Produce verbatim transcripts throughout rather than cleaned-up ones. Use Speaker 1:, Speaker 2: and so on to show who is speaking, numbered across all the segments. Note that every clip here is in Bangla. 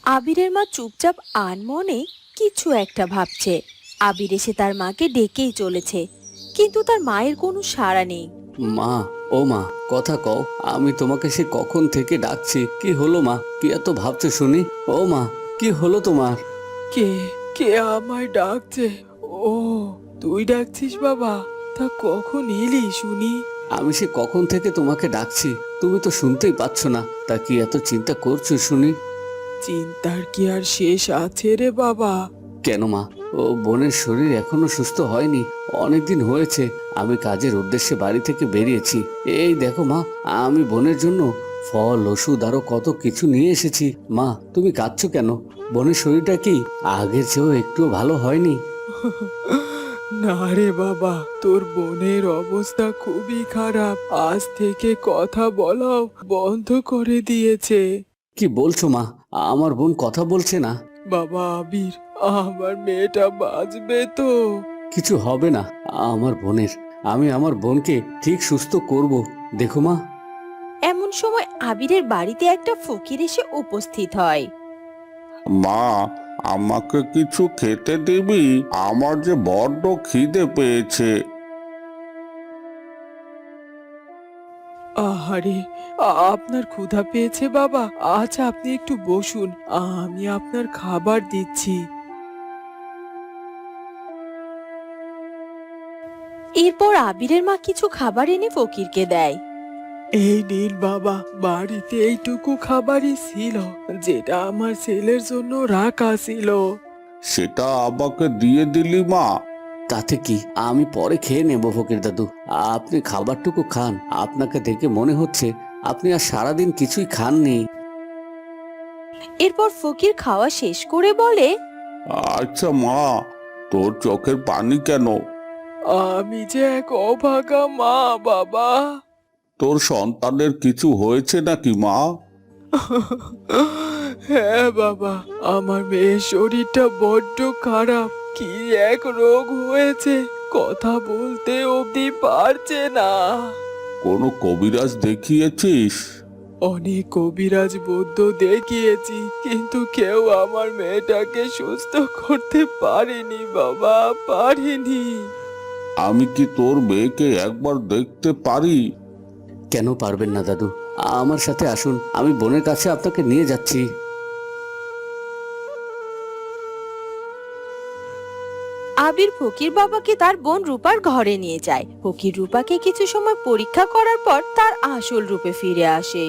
Speaker 1: আবিরের মা চুপচাপ আনমনে কিছু একটা ভাবছে। আবির এসে তার মাকে ডেকেই চলেছে, কিন্তু তার মায়ের কোনো সাড়া নেই।
Speaker 2: মা, ও মা, কথা কও। আমি তোমাকে সে কখন থেকে ডাকছি। কি হলো মা? কি এত ভাবছো শুনি? ও মা, কি হলো তোমার?
Speaker 3: কে কে আমায় ডাকছে? ও, তুই ডাকছিস বাবা? তা কখন এলি শুনি?
Speaker 2: আমি সে কখন থেকে তোমাকে ডাকছি, তুমি তো শুনতেই পাচ্ছ না। তা কি এত চিন্তা করছো শুনি?
Speaker 3: চিন্তার কি আর শেষ আছে রে বাবা?
Speaker 2: কেন মা? ও বোনের শরীর এখনো সুস্থ হয়নি। অনেকদিন হয়েছে আমি কাজের উদ্দেশ্যে বাড়ি থেকে বেরিয়েছি। এই দেখো মা, আমি বোনের জন্য ফল, ওষুধ আরো কত কিছু নিয়ে এসেছি। মা, তুমি কাঁদছো কেন? বোনের শরীরটা কি আগের চেয়েও একটুও ভালো হয়নি?
Speaker 3: না রে বাবা, তোর বোনের অবস্থা খুবই খারাপ। আজ থেকে কথা বলাও বন্ধ করে দিয়েছে।
Speaker 2: কি বলছো মা? আমার বোন কথা বলছে না?
Speaker 3: বাবা আবির, আমার মেয়েটা বাঁচবে তো?
Speaker 2: কিছু হবে না আমার বোনের। আমি আমার বোনকে ঠিক সুস্থ করব। দেখো মা।
Speaker 1: এমন সময় আবিরের বাড়িতে একটা ফকির এসে উপস্থিত হয়।
Speaker 4: মা, আমাকে কিছু খেতে দিবি? আমার যে বড্ড খিদে পেয়েছে।
Speaker 3: আহারে, আ- আপনার ক্ষুধা পেয়েছে বাবা? আচ্ছা, আপনি একটু বসুন, আমি আপনার খাবার দিচ্ছি।
Speaker 1: এরপর আবিরের মা কিছু খাবার এনে ফকিরকে দেয়।
Speaker 3: এই নিন বাবা, বাড়িতে এইটুকু খাবারই ছিল, যেটা আমার ছেলের জন্য রাখা ছিল।
Speaker 4: সেটা আমাকে দিয়ে দিলি মা?
Speaker 2: তাতে কি, আমি পরে খেয়ে নেব ফকির দাদু। আপনি খাবারটুকু খান। আপনাকে দেখে মনে হচ্ছে আপনি আর সারাদিন কিছুই খাননি।
Speaker 1: এরপর ফকির খাওয়া শেষ করে বলে,
Speaker 4: আচ্ছা মা, তোর চোখের পানি কেন?
Speaker 3: আমি যে এক অভাগা মা বাবা।
Speaker 4: তোর সন্তানের কিছু হয়েছে নাকি মা?
Speaker 3: হ্যাঁ বাবা, আমার মেয়ের শরীরটা বড্ড খারাপ। কি এক রোগ হয়েছে, কথা বলতে অবধি পারছে না।
Speaker 4: কোনো কবিরাজ দেখিয়েছিস?
Speaker 3: অনেক কবিরাজ বৈদ্য দেখিয়েছি, কিন্তু কেউ আমার মেয়েটাকে সুস্থ করতে পারেনি বাবা, পারেনি।
Speaker 4: আমি কি তোর মেয়েকে একবার দেখতে পারি?
Speaker 2: কেন পারবেন না দাদু? আমার সাথে আসুন, আমি বোনের কাছে আপনাকে নিয়ে যাচ্ছি।
Speaker 1: আবির ফকির বাবাকে তার বোন রূপার ঘরে নিয়ে যায়। ফকির রূপাকে কিছু সময় পরীক্ষা করার পর তার আসল রূপে ফিরে আসে।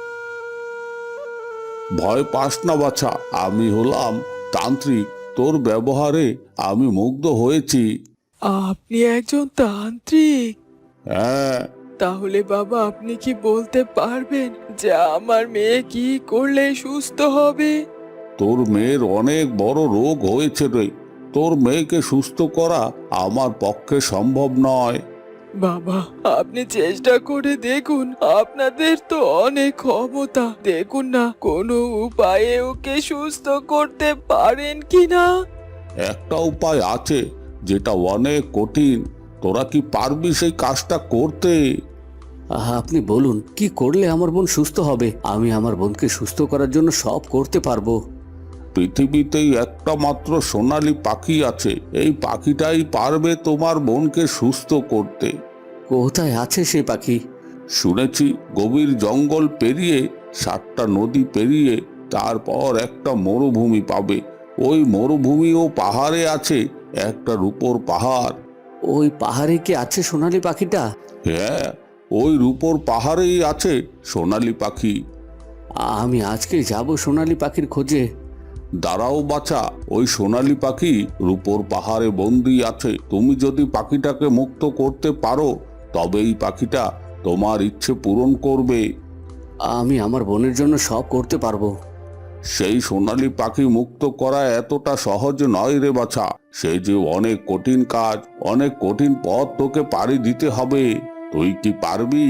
Speaker 4: ভয় পাস না বাছা, আমি হলাম তান্ত্রিক। তোর ব্যবহারে আমি মুগ্ধ হয়েছি।
Speaker 3: আপনি একজন তান্ত্রিক?
Speaker 4: হ্যাঁ।
Speaker 3: তাহলে বাবা, আপনি কি বলতে পারবেন যে আমার মেয়ে কি করলে সুস্থ হবে?
Speaker 4: তোর মেয়ের অনেক বড় রোগ হয়েছে রে। তোর মেয়েকে সুস্থ করা আমার পক্ষে সম্ভব নয়।
Speaker 3: বাবা, আপনি চেষ্টা করে দেখুন, আপনাদের তো অনেক ক্ষমতা। দেখুন না, কোনো উপায়ে ওকে সুস্থ করতে পারেন কিনা।
Speaker 4: একটা উপায় আছে, যেটা অনেক কঠিন। তোরা কি পারবি সেই কাজটা করতে?
Speaker 2: আহা, আপনি বলুন, কি করলে আমার বোন সুস্থ হবে? আমি আমার বোনকে সুস্থ করার জন্য সব করতে পারবো।
Speaker 4: পৃথিবীতেই একটা মাত্র সোনালী পাখি আছে। এই পাখিটাই পারবে তোমার বোনকে সুস্থ করতে।
Speaker 2: কোথায় আছে সেই পাখি?
Speaker 4: শুনেছি গভীর জঙ্গল পেরিয়ে, সাতটা নদী পেরিয়ে, তারপর একটা মরুভূমি পাবে। ওই মরুভূমি ও পাহাড়ে আছে একটা রূপোর পাহাড়।
Speaker 2: ওই পাহাড়ে কি আছে সোনালী পাখিটা?
Speaker 4: হ্যাঁ, ওই রূপোর পাহাড়েই আছে সোনালী পাখি।
Speaker 2: আমি আজকেই যাব সোনালী পাখির খোঁজে।
Speaker 4: দাঁড়াও বাছা, ওই সোনালী পাখি রূপোর পাহাড়ে বন্দি আছে। তুমি যদি পাখিটাকে মুক্ত করতে পারো, তবে এই পাখিটা তোমার ইচ্ছে পূরণ করবে।
Speaker 2: আমি আমার বোনের জন্য সব করতে পারবো।
Speaker 4: সেই সোনালী পাখি মুক্ত করা এতটা সহজ নয় রে বাছা। সে যে অনেক কঠিন কাজ, অনেক কঠিন পথ তোকে পাড়ি দিতে হবে। তুই কি পারবি?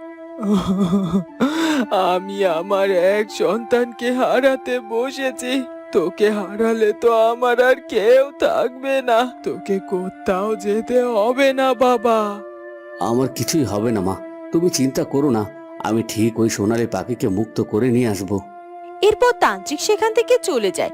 Speaker 3: আমি আমার এক সন্তানকে হারাতে বসেছি। তোকে হারালে তো আমার আর কেউ থাকবে না। তোকে কোথাও যেতে হবে না বাবা।
Speaker 2: আমার কিছুই হবে না মা, তুমি চিন্তা করো না। আমি ঠিক ওই সোনালী পাখিকে মুক্ত করে নিয়ে আসবো।
Speaker 1: এরপর তান্ত্রিক সেখান থেকে চলে যায়।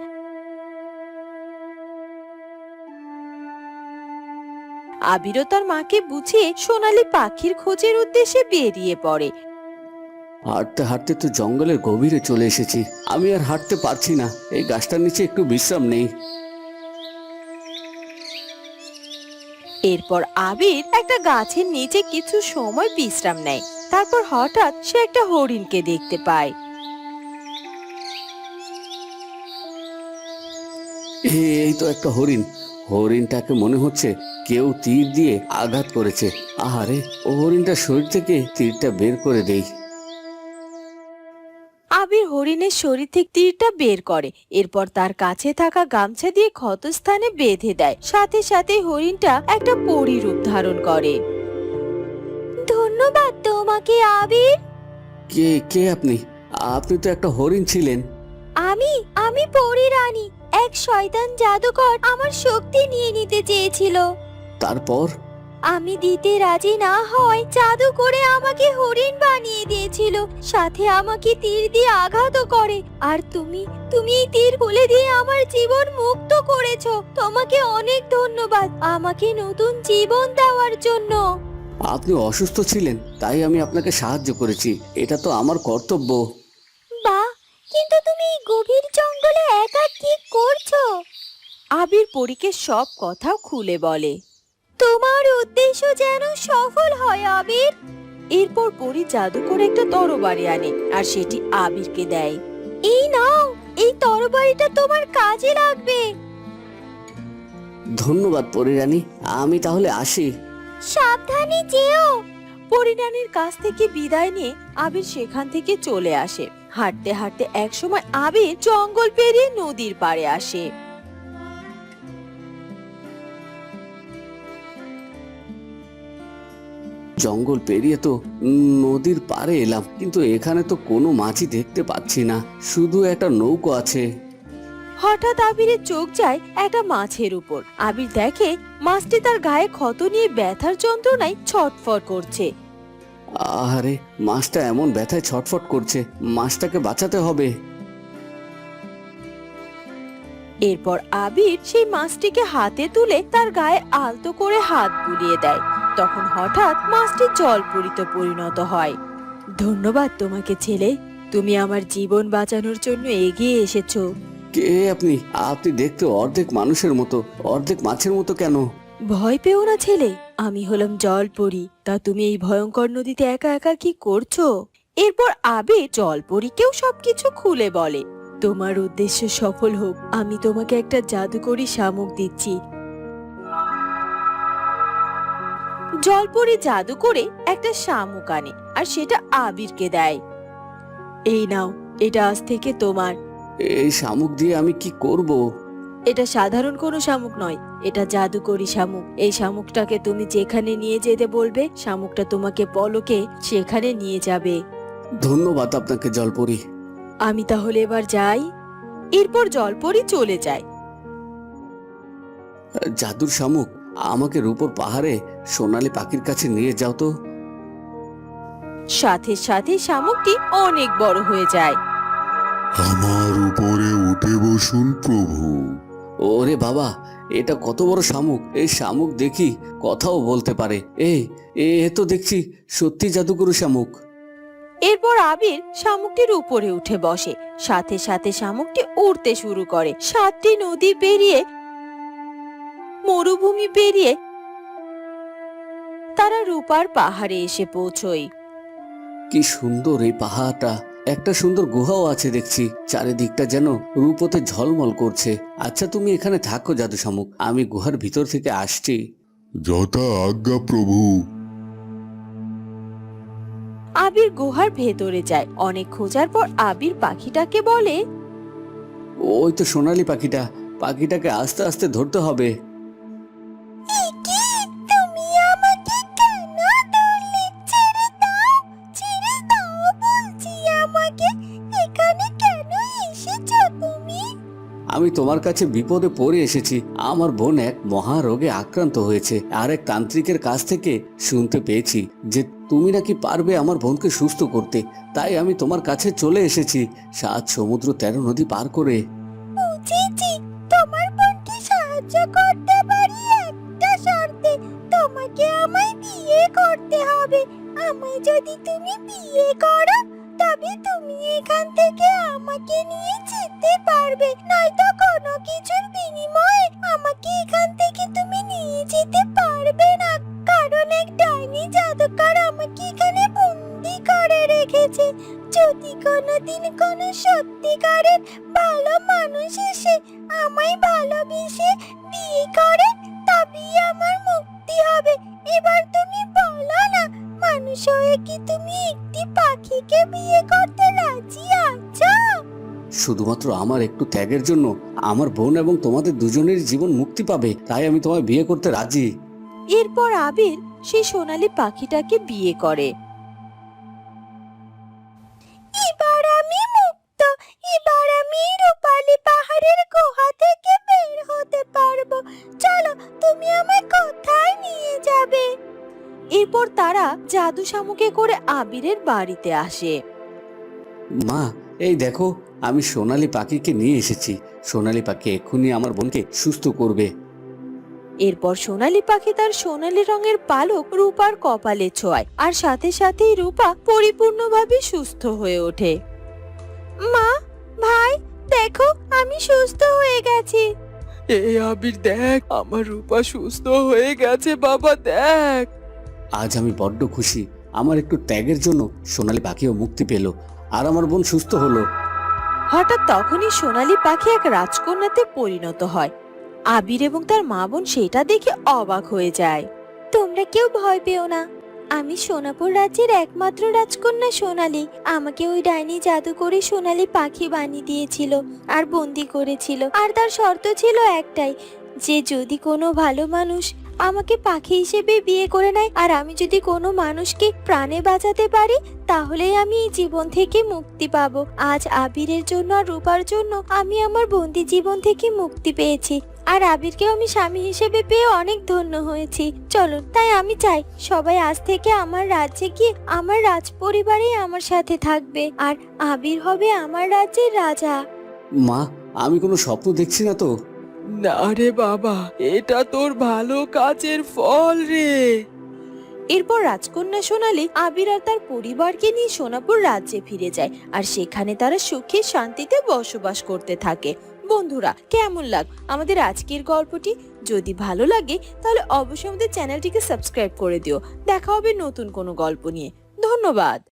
Speaker 1: আবিরও তার মাকে বুঝিয়ে সোনালী পাখির খোঁজের উদ্দেশ্যে বেরিয়ে পড়ে।
Speaker 2: হাঁটতে হাঁটতে তো জঙ্গলের গভীরে চলে এসেছি, আমি আর হাঁটতে পারছি না, এই গাছটার নিচে একটু বিশ্রাম নেই।
Speaker 1: এরপর আবির একটা গাছের নিচে কিছু সময় বিশ্রাম নেয়। তারপর হঠাৎ সে একটা হরিণকে দেখতে পায়।
Speaker 2: এই তো একটা হরিণ, হরিণটাকে মনে হচ্ছে কেউ তীর দিয়ে আঘাত করেছে। আহারে, ও হরিণটার শরীর থেকে তীরটা বের করে দেই।
Speaker 1: আবির হরিণের শরীর থেকে তীরটা বের করে, এরপর তার কাছে থাকা গামছা দিয়ে ক্ষতস্থানে বেঁধে দেয়। সাথে সাথে হরিণটা একটা পরী রূপ ধারণ করে। ধন্যবাদ তোমাকে আবির।
Speaker 2: কে কে আপনি? আপনি তো একটা হরিণ ছিলেন।
Speaker 1: আমি আমি পরী রানী। এক শয়তান জাদুকর আমার শক্তি নিয়ে নিতে চেয়েছিল।
Speaker 2: তারপর?
Speaker 1: আমি দিতে রাজি না হয় জাদু করে আমাকে হরিণ বানিয়ে দিয়েছিল, সাথে আমাকে তীর দিয়ে আঘাতও করে। আর তুমি তুমি এই তীর খুলে দিয়ে আমার জীবন মুক্ত করেছো। তোমাকে অনেক ধন্যবাদ আমাকে নতুন জীবন দেওয়ার জন্য।
Speaker 2: আপনি অসুস্থ ছিলেন, তাই আমি আপনাকে সাহায্য করেছি, এটা তো আমার কর্তব্য।
Speaker 1: বাহ, কিন্তু তুমি এই গভীর জঙ্গলে একা কি করছো? আবির পরীকে সব কথা খুলে বলে। তোমার উদ্দেশ্য যেন সফল হয় আবির। এরপর পরী জাদু করে একটা তরবারি আনে আর সেটি আবিরকে দেয়। এই নাও, এই তরবারিটা তোমার কাজে লাগবে।
Speaker 2: ধন্যবাদ পরিরানী, আমি তাহলে আসি।
Speaker 1: সাবধানে যেও। পরিরানীর কাছ থেকে বিদায় নিয়ে আবির সেখান থেকে চলে আসে। হাঁটতে হাঁটতে একসময় আবির জঙ্গল পেরিয়ে নদীর পাড়ে আসে।
Speaker 2: জঙ্গল পেরিয়ে তো নদীর পাড়ে এলাম, কিন্তু এখানে তো কোনো মাছই দেখতে পাচ্ছি না, শুধু একটা নৌকো আছে।
Speaker 1: হঠাৎ আবিরের চোখ যায় একটা মাছের উপর। আবির দেখে মাছটি তার গায়ে ক্ষত নিয়ে ব্যথার যন্ত্রণায় ছটফট করছে।
Speaker 2: আহারে, মাছটা এমন ব্যথায় ছটফট করছে, মাছটাকে বাঁচাতে হবে।
Speaker 1: এরপর আবির সেই মাছটিকে হাতে তুলে তার গায়ে আলতো করে হাত বুলিয়ে দেয়। তখন হঠাৎ মাছটি জলপরীতে পরিণত হয়। ধন্যবাদ তোমাকে ছেলে, তুমি আমার জীবন বাঁচানোর জন্য এগিয়ে এসেছো।
Speaker 2: কে আপনি? আপনি দেখতে অর্ধেক মানুষের মতো, অর্ধেক মাছের মতো কেন?
Speaker 1: ভয় পেও না ছেলে, আমি হলাম জলপরী। তা তুমি এই ভয়ঙ্কর নদীতে একা একা কি করছো? এরপর আবির জলপরীকেও সবকিছু খুলে বলে। তোমার উদ্দেশ্য সফল হোক, আমি তোমাকে একটা জাদুকরি শামুক দিচ্ছি। জলপরী জাদু করে একটা শামুক আনে আর সেটা আবিরকে দেয়। এই নাও, এটা আজ থেকে তোমার।
Speaker 2: এই শামুক দিয়ে আমি কি করব?
Speaker 1: এটা সাধারণ কোনো শামুক নয়, এটা জাদুকরি শামুক। এই শামুকটাকে তুমি যেখানে নিয়ে যেতে বলবে, শামুকটা তোমাকে পলকে সেখানে নিয়ে যাবে।
Speaker 2: ধন্যবাদ আপনাকে জলপরি।
Speaker 1: আমি তাহলে এবার যাই। এরপর জলপরি চলে যায়।
Speaker 2: জাদুর শামুক, আমাকে রূপোর পাহাড়ে সোনালী পাখির কাছে নিয়ে যাও তো।
Speaker 1: সাথে সাথে শামুকটি অনেক বড় হয়ে যায়।
Speaker 4: আমার উপরে উঠে বসুন প্রভু।
Speaker 2: ওরে বাবা, এটা কত বড় শামুক! এই শামুক দেখি কথাও বলতে পারে। এই এ তো দেখছি সত্যি জাদুকরু শামুক।
Speaker 1: এরপর আবির শামুকটির উপরে উঠে বসে। সাথে সাথে শামুকটি উড়তে শুরু করে। সাতটি নদী পেরিয়ে, মরুভূমি পেরিয়ে তারা রূপার পাহাড়ে এসে পৌঁছয়।
Speaker 2: কি সুন্দর এই পাহাড়টা! একটা সুন্দর গুহাও আছে দেখছি, চারিদিকটা যেন রূপোতে ঝলমল করছে। আচ্ছা, তুমি এখানে থাকো জাদু শামুক, আমি গুহার ভিতর থেকে আসছি।
Speaker 4: যথা আজ্ঞা প্রভু।
Speaker 1: আবির গুহার ভেতরে যায়। অনেক খোঁজার পর আবির পাখিটাকে বলে,
Speaker 2: ওই তো সোনালী পাখিটা, পাখিটাকে আস্তে আস্তে ধরতে হবে।
Speaker 1: তুমি আমাকে কেন ধরলে? ছেড়ে দাও, ছেড়ে দাও বলছি আমাকে। এখানে কেন এসেছো তুমি?
Speaker 2: আমি তোমার কাছে বিপদে পড়ে এসেছি। আমার বোন এক মহারোগে আক্রান্ত হয়েছে, আর এক তান্ত্রিকের কাছ থেকে শুনতে পেয়েছি যে তুমি নাকি পারবে আমার বোনকে সুস্থ করতে। তাই আমি তোমার কাছে চলে এসেছি সাত সমুদ্র তেরো নদী পার করে।
Speaker 1: বুঝেছি, তোমার বোনকে সাহায্য করতে পারি একটা শর্তে। তোমাকে আমায় বিয়ে করতে হবে। আমায় যদি তুমি বিয়ে করো তবে তুমি এখান থেকে আমাকে নিয়ে যেতে পারবে, নয়তো কোনো কিছুর বিনিময়ে আমাকে এখান থেকে তুমি নিয়ে যেতে পারবে না। কারণ এক ডাইনি জাদুকর আমাকে এখানে বন্দি করে রেখেছে। যদি কোনোদিন কোনো সত্যিকারের ভালো মানুষ এসে আমায় ভালোবেসে বিয়ে করে তবেই আমার মুক্তি হবে। এবার তুমি বলো না, মানুষ হয়ে কি তুমি একটি পাখিকে বিয়ে করতে রাজি আছো?
Speaker 2: শুধুমাত্র আমার একটু ত্যাগের জন্য আমার বোন এবং তোমাদের দুজনের জীবন মুক্তি পাবে, তাই আমি তোমায় বিয়ে করতে রাজি।
Speaker 1: এরপর আবির সেই সোনালী পাখিটাকে বিয়ে করে। এবার আমি মুক্ত। এবার আমি রূপালী পাহাড়ের গুহা থেকে বের হতে পারবো। চলো, তুমি আমায় কোথায় নিয়ে যাবে? এরপর তারা জাদু শামুকে করে আবিরের বাড়িতে আসে।
Speaker 2: মা, এই দেখো, আমি সোনালী পাখিকে নিয়ে এসেছি। সোনালী পাখি এক্ষুনি আমার বোনকে সুস্থ করবে।
Speaker 1: এরপর সোনালী পাখি তার সোনালী রঙের পালক রূপার কপালে ছোঁয়, আর সাথে সাথেই রূপা পরিপূর্ণভাবে সুস্থ হয়ে ওঠে। মা, ভাই, দেখো আমি সুস্থ হয়ে গেছি।
Speaker 3: এ আবির দেখ, আমার রূপা সুস্থ হয়ে গেছে বাবা, দেখ।
Speaker 2: আজ আমি বড্ড খুশি। আমার একটু ত্যাগের জন্য সোনালী পাখিও মুক্তি পেল, আর আমার বোন সুস্থ হলো।
Speaker 1: হঠাৎ তখনই সোনালী পাখি এক রাজকন্যাতে পরিণত হয়। আবির এবং তার মা বোন সেটা দেখে অবাক হয়ে যায়। তোমরা কেউ ভয় পেও না, আমি সোনাপুর রাজ্যের একমাত্র রাজকন্যা সোনালী। আমাকে ওই ডাইনি জাদু করে সোনালী পাখি বানিয়ে দিয়েছিল আর বন্দি করেছিল। আর তার শর্ত ছিল একটাই, যে যদি কোনো ভালো মানুষ আমাকে পাখি হিসেবে বিয়ে করে নেয়, আর আমি যদি কোনো মানুষকে প্রাণে বাঁচাতে পারি, তাহলেই আমি এই জীবন থেকে মুক্তি পাবো। আজ আবিরের জন্য আর রূপার জন্য আমি আমার বন্দি জীবন থেকে মুক্তি পেয়েছি, আর আবিরকেও আমি স্বামী হিসেবে পেয়ে অনেক ধন্য হয়েছি। চলুন, তাই আমি চাই সবাই আজ থেকে আমার রাজ্যে গিয়ে আমার রাজ পরিবারেই আমার সাথে থাকবে, আর আবির হবে আমার রাজ্যের রাজা।
Speaker 2: মা, আমি কোনো স্বপ্ন দেখছি না তো?
Speaker 3: না রে বাবা, এটা তোর ভালো কাজের ফল রে।
Speaker 1: এরপর রাজকন্যা সোনালী আবির আর তার পরিবারকে নিয়ে সোনাপুর রাজ্যে ফিরে যায়, আর সেখানে তারা সুখে শান্তিতে বসবাস করতে থাকে। বন্ধুরা, কেমন লাগ আমাদের আজকের গল্পটি? যদি ভালো লাগে তাহলে অবশ্যই আমাদের চ্যানেলটিকে সাবস্ক্রাইব করে দিও। দেখা হবে নতুন কোনো গল্প নিয়ে। ধন্যবাদ।